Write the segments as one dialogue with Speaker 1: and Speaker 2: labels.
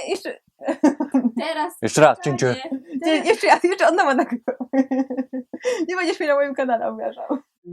Speaker 1: jeszcze...
Speaker 2: Teraz.
Speaker 3: Jeszcze raz, cięcie.
Speaker 1: Jeszcze raz, jeszcze od nowa nagrywam. Nie będziesz mnie na moim kanale obrażał.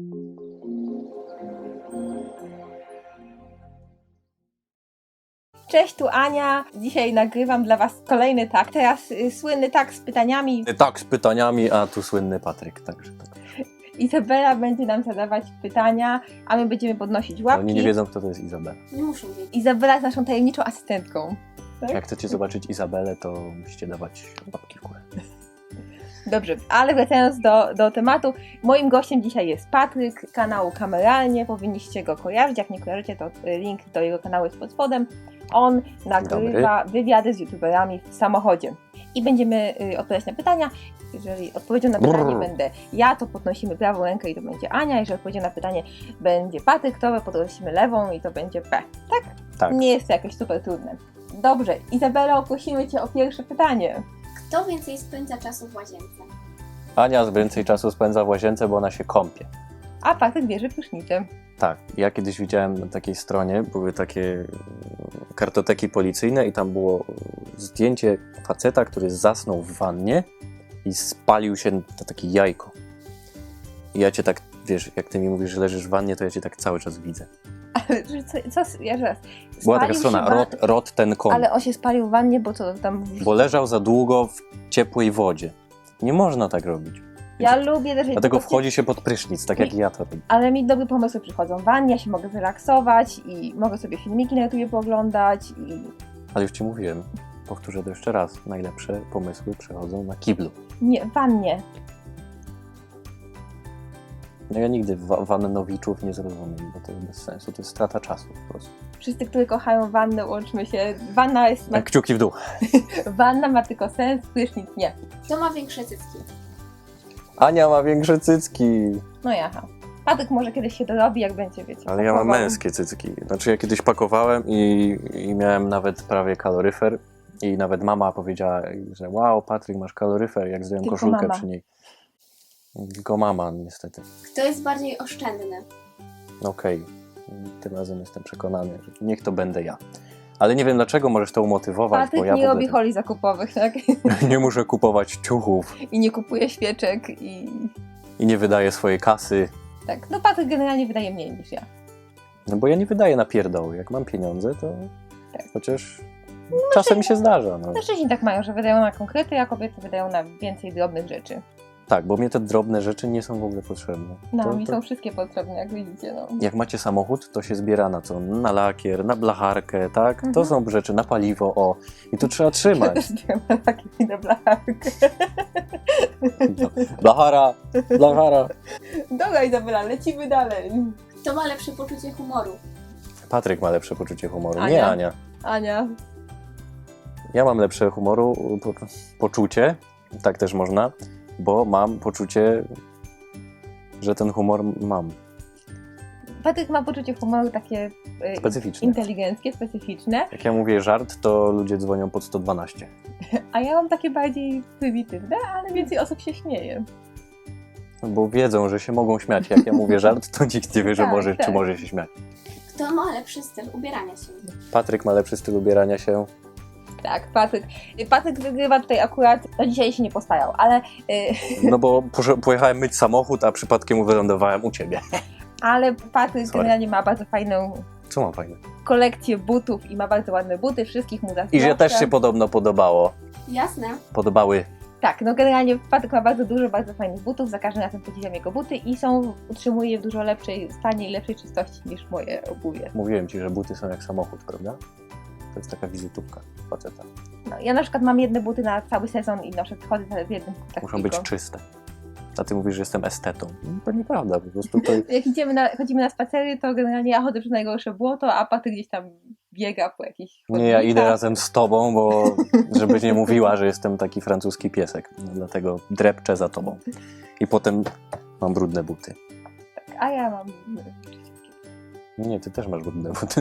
Speaker 1: Cześć, tu Ania. Dzisiaj nagrywam dla was kolejny tak. Teraz słynny tak z pytaniami.
Speaker 3: Tak, z pytaniami, a tu słynny Patryk, także tak.
Speaker 1: Izabela będzie nam zadawać pytania, a my będziemy podnosić łapki.
Speaker 3: Oni nie wiedzą, kto to jest Izabela.
Speaker 2: Nie muszą wiedzieć.
Speaker 1: Izabela jest naszą tajemniczą asystentką. Tak?
Speaker 3: Jak chcecie zobaczyć Izabelę, to musicie dawać łapki w górę.
Speaker 1: Dobrze, ale wracając do tematu, moim gościem dzisiaj jest Patryk z kanału Kameralnie, powinniście go kojarzyć, jak nie kojarzycie, to link do jego kanału jest pod spodem. On nagrywa wywiady z youtuberami w samochodzie i będziemy odpowiadać na pytania. Jeżeli odpowiedzią na pytanie będę ja, to podnosimy prawą rękę i to będzie Ania, jeżeli odpowiedzią na pytanie będzie Patryk, to podnosimy lewą i to będzie P. Tak?
Speaker 3: Tak.
Speaker 1: Nie jest to jakieś super trudne. Dobrze, Izabelo, prosimy Cię o pierwsze pytanie.
Speaker 2: Kto więcej spędza czasu w łazience?
Speaker 3: Ania więcej czasu spędza w łazience, bo ona się kąpie.
Speaker 1: A Patryk bierze prysznicem.
Speaker 3: Tak, ja kiedyś widziałem na takiej stronie, były takie kartoteki policyjne i tam było zdjęcie faceta, który zasnął w wannie i spalił się na takie jajko. I ja cię tak, wiesz, jak ty mi mówisz, że leżysz w wannie, to ja cię tak cały czas widzę.
Speaker 1: Ale ja raz.
Speaker 3: Była taka strona, rot ten kąt.
Speaker 1: Ale on się spalił w wannie, bo co tam...
Speaker 3: Bo leżał za długo w ciepłej wodzie. Nie można tak robić.
Speaker 1: Ja lubię też...
Speaker 3: Dlatego wchodzi się pod prysznic, tak jak ja to robię.
Speaker 1: Ale mi dobre pomysły przychodzą w wannie, ja się mogę zrelaksować i mogę sobie filmiki na YouTubie pooglądać i...
Speaker 3: Ale już ci mówiłem, powtórzę to jeszcze raz, najlepsze pomysły przychodzą na kiblu.
Speaker 1: Nie, w wannie.
Speaker 3: No ja nigdy wannowiczów nie zrozumiem, bo to jest bez sensu, to jest strata czasu po prostu.
Speaker 1: Wszyscy, którzy kochają wannę, łączmy się. Wanna jest...
Speaker 3: Tak, kciuki w dół.
Speaker 1: Wanna ma tylko sens, prysznic nie.
Speaker 2: Kto ma większe cycki?
Speaker 3: Ania ma większe cycki.
Speaker 1: No jaha. Patryk może kiedyś się dorobi, jak będzie, wiecie.
Speaker 3: Ale ja mam
Speaker 1: pakował.
Speaker 3: męskie cycki. Znaczy ja kiedyś pakowałem i miałem nawet prawie kaloryfer i nawet mama powiedziała, że wow, Patryk, masz kaloryfer, jak zdjąłem
Speaker 1: Tylko
Speaker 3: koszulkę
Speaker 1: mama.
Speaker 3: przy niej. Tylko mama, niestety.
Speaker 2: Kto jest bardziej oszczędny?
Speaker 3: Okej. Tym razem jestem przekonany, że niech to będę ja. Ale nie wiem dlaczego, możesz to umotywować,
Speaker 1: Patryk
Speaker 3: bo ja
Speaker 1: nie
Speaker 3: w ogóle
Speaker 1: robi holi zakupowych, tak?
Speaker 3: nie muszę kupować ciuchów
Speaker 1: I nie kupuje świeczek i...
Speaker 3: i nie wydaję swojej kasy.
Speaker 1: Tak, no Patryk generalnie wydaje mniej niż ja.
Speaker 3: No bo ja nie wydaję na pierdoły. Jak mam pieniądze, to
Speaker 1: Tak.
Speaker 3: chociaż czasem mi się zdarza. No.
Speaker 1: Mężczyźni tak mają, że wydają na konkrety, a kobiety wydają na więcej drobnych rzeczy.
Speaker 3: Tak, bo mnie te drobne rzeczy nie są w ogóle potrzebne.
Speaker 1: No, mi są wszystkie potrzebne, jak widzicie, no.
Speaker 3: Jak macie samochód, to się zbiera na co? Na lakier, na blacharkę, tak? To są rzeczy, na paliwo, o. I tu trzeba trzymać.
Speaker 1: Takie inne blacharkę.
Speaker 3: No. Blachara, blachara.
Speaker 1: Dobra, Izabela, lecimy dalej.
Speaker 2: Kto ma lepsze poczucie humoru?
Speaker 3: Patryk ma lepsze poczucie humoru,
Speaker 1: Ania.
Speaker 3: nie Ania.
Speaker 1: Ania.
Speaker 3: Ja mam lepsze humoru, poczucie, tak też można, bo mam poczucie, że ten humor mam.
Speaker 1: Patryk ma poczucie humoru takie
Speaker 3: Specyficzne.
Speaker 1: inteligenckie, specyficzne,
Speaker 3: Jak ja mówię żart, to ludzie dzwonią pod 112.
Speaker 1: a ja mam takie bardziej prymitywne, ale więcej osób się śmieje.
Speaker 3: Bo wiedzą, że się mogą śmiać. Jak ja mówię żart, to nikt nie wie, że
Speaker 1: Tak,
Speaker 3: może,
Speaker 1: tak.
Speaker 3: czy może się śmiać.
Speaker 2: Kto ma lepszy styl ubierania się?
Speaker 3: Patryk ma lepszy styl ubierania się.
Speaker 1: Tak, Patryk wygrywa tutaj akurat, no dzisiaj się nie postarał, ale...
Speaker 3: No bo pojechałem myć samochód, a przypadkiem wylądowałem u ciebie.
Speaker 1: Ale Patryk
Speaker 3: Sorry.
Speaker 1: generalnie ma bardzo fajną
Speaker 3: Co mam fajne?
Speaker 1: kolekcję butów i ma bardzo ładne buty, wszystkich mu
Speaker 3: I
Speaker 1: zazdroszczę.
Speaker 3: że też się podobno podobało.
Speaker 2: Jasne.
Speaker 3: Podobały.
Speaker 1: Tak, no generalnie Patryk ma bardzo dużo bardzo fajnych butów, za każdym razem podziwiam jego buty i utrzymuje je w dużo lepszej stanie i lepszej czystości niż moje obuwie.
Speaker 3: Mówiłem ci, że buty są jak samochód, prawda? To jest taka wizytówka faceta.
Speaker 1: No, ja na przykład mam jedne buty na cały sezon i noszę, chodzę w jednym butach
Speaker 3: Muszą
Speaker 1: tylko.
Speaker 3: być czyste. A ty mówisz, że jestem estetą. No, to nieprawda, po prostu to...
Speaker 1: Jak chodzimy na spacery, to generalnie ja chodzę przez najgorsze błoto, a Patryk gdzieś tam biega po jakichś
Speaker 3: Nie, ja idę
Speaker 1: chodnikach.
Speaker 3: razem z tobą, bo żebyś nie mówiła, że jestem taki francuski piesek. No, dlatego drepczę za tobą. I potem mam brudne buty.
Speaker 1: A ja mam...
Speaker 3: Nie, ty też masz brudne buty.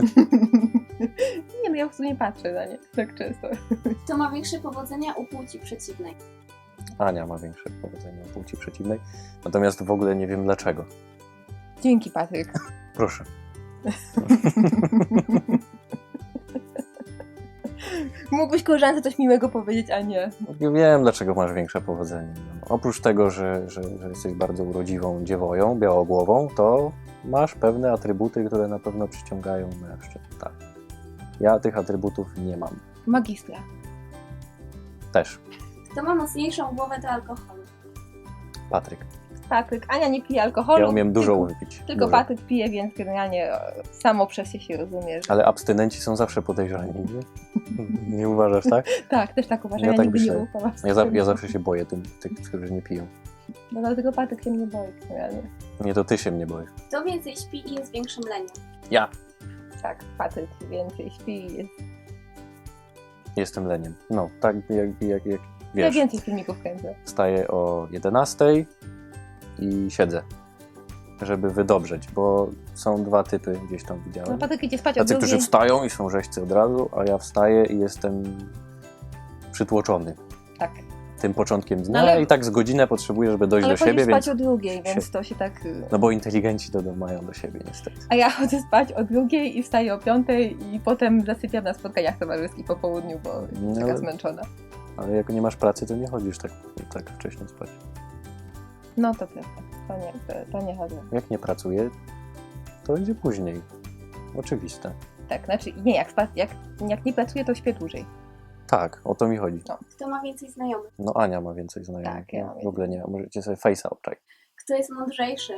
Speaker 1: Nie, no ja po prostu nie patrzę na nie tak często.
Speaker 2: Kto ma większe powodzenia u płci przeciwnej?
Speaker 3: Ania ma większe powodzenie u płci przeciwnej. Natomiast w ogóle nie wiem dlaczego.
Speaker 1: Dzięki, Patryk.
Speaker 3: Proszę.
Speaker 1: Mógłbyś koleżance coś miłego powiedzieć, a nie.
Speaker 3: Wiem, dlaczego masz większe powodzenie. No, oprócz tego, że jesteś bardzo urodziwą dziewoją, białogłową, to masz pewne atrybuty, które na pewno przyciągają mężczyzn. Tak. Ja tych atrybutów nie mam.
Speaker 1: Magistra.
Speaker 3: Też.
Speaker 2: Kto ma mocniejszą głowę do alkoholu?
Speaker 3: Patryk.
Speaker 1: Patryk. Ania nie pije alkoholu.
Speaker 3: Ja umiem dużo
Speaker 1: tylko,
Speaker 3: wypić.
Speaker 1: Tylko
Speaker 3: Dużo.
Speaker 1: Patryk pije, więc generalnie samo przez się rozumie. Że...
Speaker 3: Ale abstynenci są zawsze podejrzani, nie? Nie uważasz, tak?
Speaker 1: Tak, też tak uważam.
Speaker 3: Ja
Speaker 1: Ja,
Speaker 3: tak
Speaker 1: nigdy nie
Speaker 3: myślę.
Speaker 1: ufam.
Speaker 3: Ja zawsze się boję tych, którzy nie piją.
Speaker 1: No dlatego Patryk się mnie boi generalnie.
Speaker 3: Nie, to ty się mnie boisz.
Speaker 2: Kto więcej śpi i jest większym leniem?
Speaker 3: Ja
Speaker 1: Tak, Patryk więcej śpi i jest...
Speaker 3: jestem leniem. No, tak jak
Speaker 1: Ja
Speaker 3: wiesz.
Speaker 1: więcej filmików kręcę.
Speaker 3: Wstaję o 11 i siedzę, żeby wydobrzeć, bo są dwa typy, gdzieś tam
Speaker 1: No
Speaker 3: widziałem.
Speaker 1: Patryk idzie spać o
Speaker 3: Tacy, którzy
Speaker 1: drugiej.
Speaker 3: wstają i są rzeźcy od razu, a ja wstaję i jestem przytłoczony
Speaker 1: Tak.
Speaker 3: tym początkiem dnia
Speaker 1: Ale-
Speaker 3: i tak z godzinę potrzebuję, żeby dojść
Speaker 1: Ale
Speaker 3: do siebie,
Speaker 1: chodzisz spać
Speaker 3: więc...
Speaker 1: o drugiej, więc to się tak...
Speaker 3: No bo inteligenci to mają do siebie niestety.
Speaker 1: A ja chodzę spać o drugiej i wstaję o 5 i potem zasypiam na spotkaniach towarzyskich po południu, bo jestem
Speaker 3: No,
Speaker 1: taka
Speaker 3: ale-
Speaker 1: zmęczona.
Speaker 3: Ale jak nie masz pracy, to nie chodzisz tak wcześnie spać.
Speaker 1: No to prawda. To nie chodzę.
Speaker 3: Jak nie pracuję, to idzie później. Oczywiste.
Speaker 1: Tak, znaczy nie, jak nie pracuję, to śpię dłużej.
Speaker 3: Tak, o to mi chodzi.
Speaker 2: Kto ma więcej znajomych?
Speaker 3: No Ania ma więcej znajomych.
Speaker 1: Tak, ja mam
Speaker 3: w ogóle nie, możecie sobie face'a obczaj.
Speaker 2: Kto jest mądrzejszy?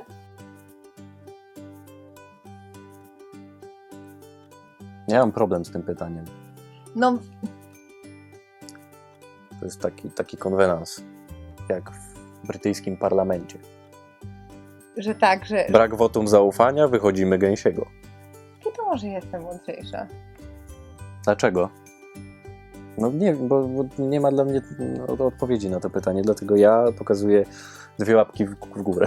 Speaker 3: Ja mam problem z tym pytaniem.
Speaker 1: No,
Speaker 3: To jest taki konwenans, jak w brytyjskim parlamencie.
Speaker 1: że tak, że
Speaker 3: Brak wotum zaufania, wychodzimy gęsiego.
Speaker 1: to może jestem mądrzejsza.
Speaker 3: Dlaczego? No nie, bo nie ma dla mnie odpowiedzi na to pytanie, dlatego ja pokazuję 2 łapki w górę.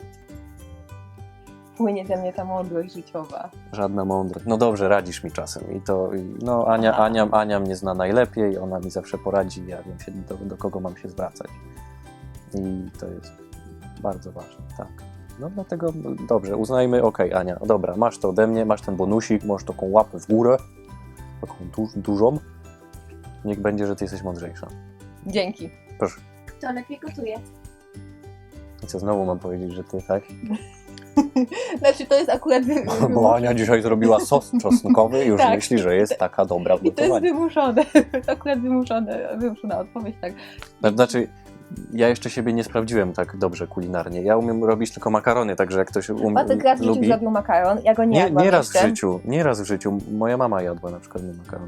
Speaker 1: Płynie ze mnie ta mądrość życiowa.
Speaker 3: Żadna mądrość. No dobrze, radzisz mi czasem. No Ania mnie zna najlepiej, ona mi zawsze poradzi, ja wiem się do kogo mam się zwracać. I to jest bardzo ważne, tak. No dlatego dobrze, uznajmy, okej, Ania, dobra, masz to ode mnie, masz ten bonusik, masz taką łapę w górę, taką dużą. Niech będzie, że ty jesteś mądrzejsza.
Speaker 1: Dzięki.
Speaker 3: Proszę.
Speaker 2: Kto lepiej gotuje?
Speaker 3: I co, znowu mam powiedzieć, że ty, tak?
Speaker 1: Znaczy to jest akurat...
Speaker 3: Bo Ania dzisiaj zrobiła sos czosnkowy i już
Speaker 1: Tak.
Speaker 3: myśli, że jest taka dobra w
Speaker 1: I to jest
Speaker 3: gotowaniu.
Speaker 1: wymuszone. Akurat wymuszona odpowiedź, tak.
Speaker 3: Znaczy, ja jeszcze siebie nie sprawdziłem tak dobrze kulinarnie. Ja umiem robić tylko makarony, także jak ktoś
Speaker 1: Patryk raz w życiu
Speaker 3: lubi...
Speaker 1: zrobił makaron, ja go nie jadłam
Speaker 3: Nie raz w
Speaker 1: jeszcze.
Speaker 3: życiu, nie raz w życiu. Moja mama jadła na przykład mój makaron.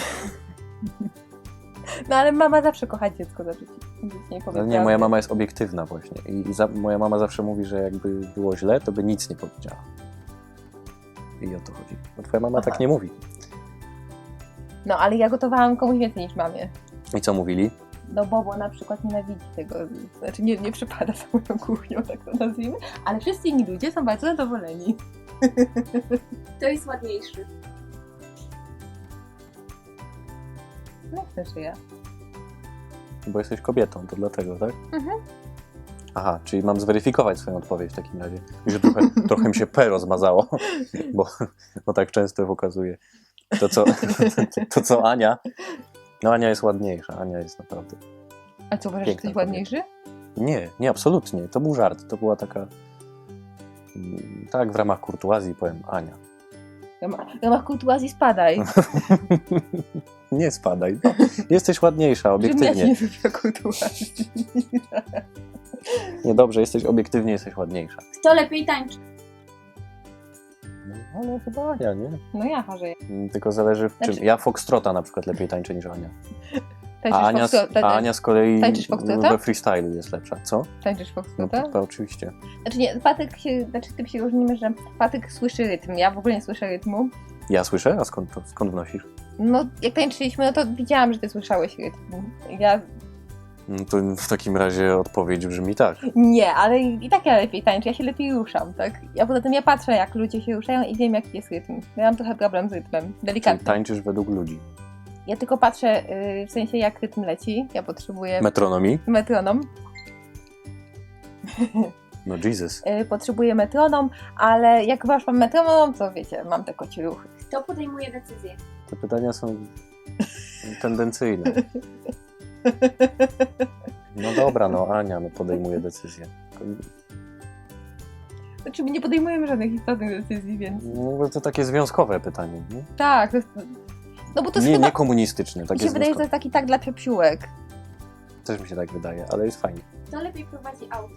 Speaker 1: No ale mama zawsze kocha dziecko, znaczy nic nie
Speaker 3: Ale
Speaker 1: powiedziała.
Speaker 3: nie, moja mama jest obiektywna właśnie. Moja mama zawsze mówi, że jakby było źle, to by nic nie powiedziała. I o to chodzi. Bo twoja mama
Speaker 1: Aha.
Speaker 3: tak nie mówi.
Speaker 1: No ale ja gotowałam komuś więcej niż mamie.
Speaker 3: I co mówili?
Speaker 1: No Bobo na przykład nienawidzi tego, znaczy nie przypada za moją kuchnią, tak to nazwijmy, ale wszyscy inni ludzie są bardzo zadowoleni.
Speaker 2: Kto jest ładniejszy?
Speaker 1: No też ja.
Speaker 3: Bo jesteś kobietą, to dlatego, tak?
Speaker 1: Mhm.
Speaker 3: Aha, czyli mam zweryfikować swoją odpowiedź w takim razie. I że trochę mi się P rozmazało, bo tak często pokazuje. To co Ania? No Ania jest ładniejsza, Ania jest naprawdę...
Speaker 1: A co, uważasz, że
Speaker 3: Piękna
Speaker 1: jesteś ładniejszy?
Speaker 3: Nie, absolutnie. To był żart. To była taka... Tak, w ramach kurtuazji powiem Ania.
Speaker 1: W ramach kurtuazji spadaj.
Speaker 3: Nie spadaj. No, jesteś ładniejsza,
Speaker 1: Żebym ja ci
Speaker 3: obiektywnie.
Speaker 1: nie zrobiła kurtuazji.
Speaker 3: Nie, dobrze, jesteś obiektywnie, jesteś ładniejsza.
Speaker 2: Kto lepiej tańczy?
Speaker 3: No, ale chyba Ania, nie?
Speaker 1: No ja chorzę.
Speaker 3: Tylko zależy w czym.
Speaker 1: Znaczy-
Speaker 3: Ja foxtrota na przykład lepiej tańczę niż Ania.
Speaker 1: Tańczysz
Speaker 3: A Ania z kolei
Speaker 1: Tańczysz foxtrota?
Speaker 3: we freestylu jest lepsza. Co?
Speaker 1: Tańczysz
Speaker 3: No
Speaker 1: foxtrota?
Speaker 3: to oczywiście.
Speaker 1: Znaczy nie, Patryk się, tym się różnimy, że Patryk słyszy rytm, ja w ogóle nie słyszę rytmu.
Speaker 3: Ja słyszę? A skąd wnosisz?
Speaker 1: No jak tańczyliśmy, no to widziałam, że ty słyszałeś rytm. Ja
Speaker 3: No to w takim razie odpowiedź brzmi tak.
Speaker 1: nie, ale i tak ja lepiej tańczę, ja się lepiej ruszam, tak? Ja poza tym ja patrzę, jak ludzie się ruszają i wiem, jaki jest rytm. Ja mam trochę problem z rytmem,
Speaker 3: Czyli
Speaker 1: delikatny.
Speaker 3: tańczysz według ludzi.
Speaker 1: Ja tylko patrzę, w sensie jak rytm leci, ja potrzebuję
Speaker 3: Metronomii?
Speaker 1: metronom.
Speaker 3: No Jesus.
Speaker 1: Potrzebuję metronom, ale jak już mam metronom, to wiecie, mam te kocie ruchy.
Speaker 2: Kto podejmuje decyzję?
Speaker 3: Te pytania są tendencyjne. No dobra, no Ania podejmuje decyzję.
Speaker 1: Znaczy my nie podejmujemy żadnych istotnych decyzji, więc...
Speaker 3: No, to takie związkowe pytanie, nie?
Speaker 1: Tak, to jest... No bo to jest
Speaker 3: Nie,
Speaker 1: chyba...
Speaker 3: nie komunistyczne,
Speaker 1: Mi
Speaker 3: takie
Speaker 1: się wydaje, że to
Speaker 3: związkowe.
Speaker 1: jest taki tak dla psiapsiłek.
Speaker 3: Też mi się tak wydaje, ale jest fajnie.
Speaker 2: Kto lepiej prowadzi auto?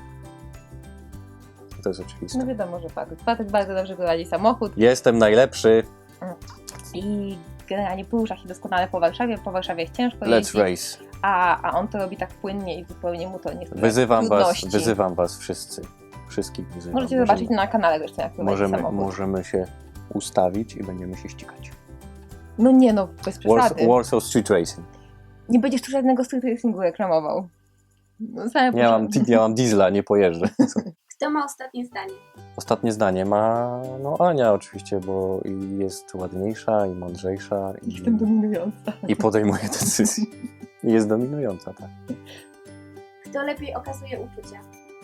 Speaker 3: To jest oczywiste.
Speaker 1: No wiadomo, że Patryk. Patryk bardzo dobrze prowadzi samochód
Speaker 3: Jestem najlepszy.
Speaker 1: i generalnie porusza się doskonale po Warszawie. Po Warszawie jest ciężko
Speaker 3: Let's
Speaker 1: jeździć,
Speaker 3: race.
Speaker 1: a on to robi tak płynnie i zupełnie mu to nie sprawia
Speaker 3: Wyzywam
Speaker 1: trudności.
Speaker 3: was wszyscy. Wszystkich wyzywam.
Speaker 1: Możecie zobaczyć na kanale zresztą, jak prowadzi samochód.
Speaker 3: możemy się ustawić i będziemy się ścigać.
Speaker 1: No nie no, bez przesady.
Speaker 3: Warsaw Street Racing.
Speaker 1: Nie będziesz tu żadnego street racingu reklamował. No, same
Speaker 3: Ja mam diesla, nie pojeżdżę.
Speaker 2: Kto ma ostatnie zdanie?
Speaker 3: Ostatnie zdanie ma Ania oczywiście, bo i jest ładniejsza i mądrzejsza
Speaker 1: Jestem dominująca.
Speaker 3: i podejmuje decyzje. I jest dominująca, tak.
Speaker 2: Kto lepiej okazuje uczucia?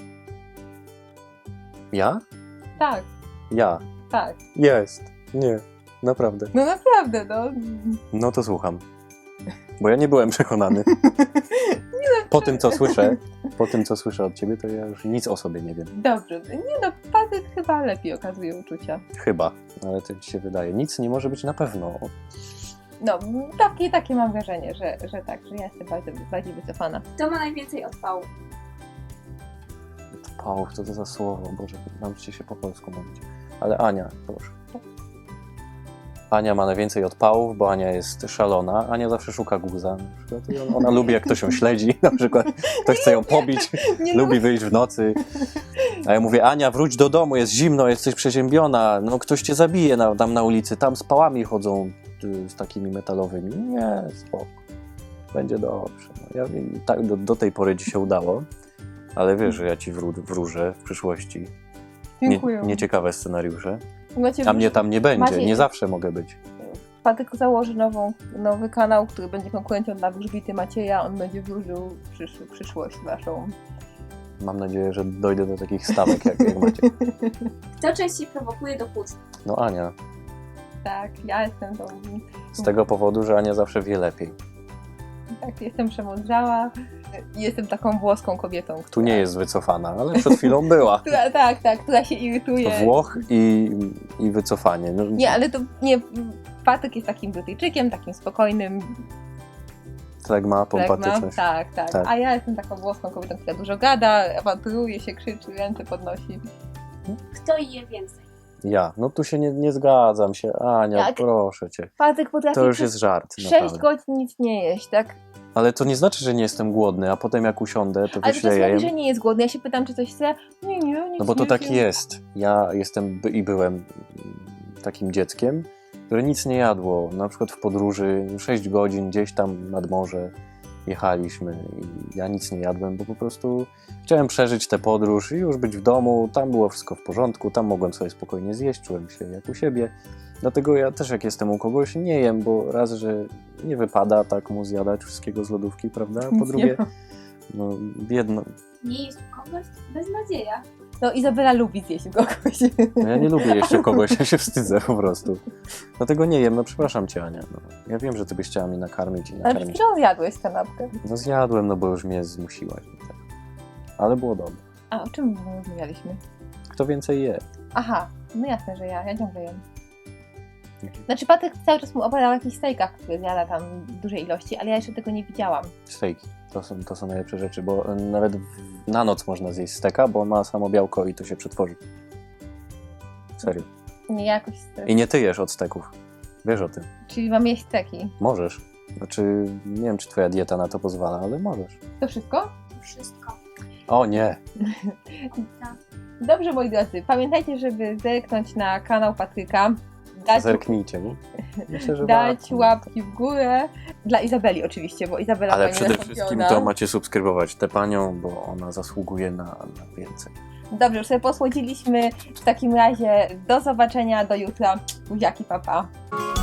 Speaker 3: Ja?
Speaker 1: Tak,
Speaker 3: Ja.
Speaker 1: tak.
Speaker 3: Jest. Nie. Naprawdę.
Speaker 1: No naprawdę, no.
Speaker 3: No to słucham. Bo ja nie byłem przekonany. Po tym, co słyszę od ciebie, to ja już nic o sobie nie wiem.
Speaker 1: Dobrze. Nie no, Patryk chyba lepiej okazuje uczucia.
Speaker 3: Chyba, ale to ci się wydaje. Nic nie może być na pewno.
Speaker 1: No, takie mam wrażenie, że tak, że ja jestem bardziej wycofana.
Speaker 2: Kto ma najwięcej odpału?
Speaker 3: Pałów, co to za słowo? Boże, nauczcie się po polsku mówić. Ale Ania, proszę. Ania ma najwięcej odpałów, bo Ania jest szalona. Ania zawsze szuka guza. Na przykład. I ona lubi, jak ktoś ją śledzi. Na przykład ktoś chce ją pobić,
Speaker 1: Nie
Speaker 3: lubi wyjść w nocy. A ja mówię, Ania, wróć do domu, jest zimno, jesteś przeziębiona. No ktoś cię zabije tam na ulicy. Tam z pałami chodzą z takimi metalowymi. Nie, spoko. Będzie dobrze. No, ja tak do tej pory ci się udało. Ale wiesz, że ja ci wróżę w przyszłości.
Speaker 1: Dziękuję.
Speaker 3: Nieciekawe scenariusze.
Speaker 1: Macie
Speaker 3: A mnie tam nie będzie,
Speaker 1: Macie-
Speaker 3: nie zawsze mogę być.
Speaker 1: Patryk założy nowy kanał, który będzie konkurencją dla wróżbity Macieja. On będzie wróżył przyszłość waszą.
Speaker 3: Mam nadzieję, że dojdę do takich stawek, jak macie.
Speaker 2: Kto częściej prowokuje do kłótni?
Speaker 3: No Ania,
Speaker 1: Tak, ja jestem tą...
Speaker 3: z tego powodu, że Ania zawsze wie lepiej.
Speaker 1: Tak, jestem przemądrzała. Jestem taką włoską kobietą, która...
Speaker 3: Tu nie jest wycofana, ale przed chwilą była.
Speaker 1: która się irytuje.
Speaker 3: Włoch i wycofanie. No,
Speaker 1: Nie, ale to nie... Patryk jest takim Brytyjczykiem, takim spokojnym.
Speaker 3: Flegma, pompatyczność.
Speaker 1: Tak.
Speaker 3: Tak.
Speaker 1: A ja jestem taką włoską kobietą, która dużo gada, awanturuje się, krzyczy, ręce podnosi.
Speaker 2: Kto je więcej?
Speaker 3: Ja, no tu się nie zgadzam się. Ania,
Speaker 1: Jak?
Speaker 3: proszę cię.
Speaker 1: Patryk potrafi
Speaker 3: To już
Speaker 1: przez
Speaker 3: jest żart,
Speaker 1: 6
Speaker 3: naprawdę.
Speaker 1: godzin nic nie jeść, tak?
Speaker 3: Ale to nie znaczy, że nie jestem głodny, a potem jak usiądę, to
Speaker 1: Ale to
Speaker 3: wyśleję.
Speaker 1: mówi, że nie jest głodny. Ja się pytam, czy coś chce. Nie, nic
Speaker 3: No bo to
Speaker 1: nie
Speaker 3: tak
Speaker 1: jem.
Speaker 3: jest. Ja jestem i byłem takim dzieckiem, które nic nie jadło. Na przykład w podróży 6 godzin gdzieś tam nad morze jechaliśmy i ja nic nie jadłem, bo po prostu chciałem przeżyć tę podróż i już być w domu. Tam było wszystko w porządku, tam mogłem sobie spokojnie zjeść, czułem się jak u siebie. Dlatego ja też jak jestem u kogoś nie jem, bo raz, że nie wypada tak mu zjadać wszystkiego z lodówki, prawda? A po
Speaker 1: Nic
Speaker 3: drugie,
Speaker 1: nie ma.
Speaker 3: no biedno.
Speaker 2: Nie jest u kogoś? Beznadzieja.
Speaker 1: No Izabela lubi zjeść kogoś.
Speaker 3: No ja nie lubię jeszcze kogoś, ja się wstydzę po prostu. Dlatego nie jem, no przepraszam cię Ania. No, ja wiem, że ty byś chciała mnie nakarmić i
Speaker 1: Ale przed
Speaker 3: nakarmić.
Speaker 1: chwilą zjadłeś kanapkę.
Speaker 3: No zjadłem, no bo już mnie zmusiłaś. Tak. Ale było dobre.
Speaker 1: A o czym rozmawialiśmy?
Speaker 3: Kto więcej je?
Speaker 1: Aha, no jasne, że ja ciągle jem. Znaczy Patryk cały czas mu opowiadał o jakichś stejkach, które zjada tam w dużej ilości, ale ja jeszcze tego nie widziałam.
Speaker 3: Stejki. To są najlepsze rzeczy, bo nawet na noc można zjeść steka, bo on ma samo białko i to się przetworzy. Serio.
Speaker 1: Nie jakoś...
Speaker 3: I nie ty jesz od steków. Wiesz o tym.
Speaker 1: Czyli mam jeść steki.
Speaker 3: Możesz. Znaczy, nie wiem, czy twoja dieta na to pozwala, ale możesz.
Speaker 1: To wszystko?
Speaker 2: To wszystko.
Speaker 3: O nie!
Speaker 1: Dobrze, moi drodzy, pamiętajcie, żeby zerknąć na kanał Patryka,
Speaker 3: Zerknijcie, nie? Myślę, że
Speaker 1: dać
Speaker 3: warto.
Speaker 1: łapki w górę. Dla Izabeli oczywiście, bo Izabela
Speaker 3: Ale
Speaker 1: fajnie
Speaker 3: przede
Speaker 1: zastąpiona.
Speaker 3: wszystkim to macie subskrybować tę panią, bo ona zasługuje na więcej.
Speaker 1: Dobrze, już sobie posłodziliśmy. W takim razie do zobaczenia, do jutra. Buziaki, papa.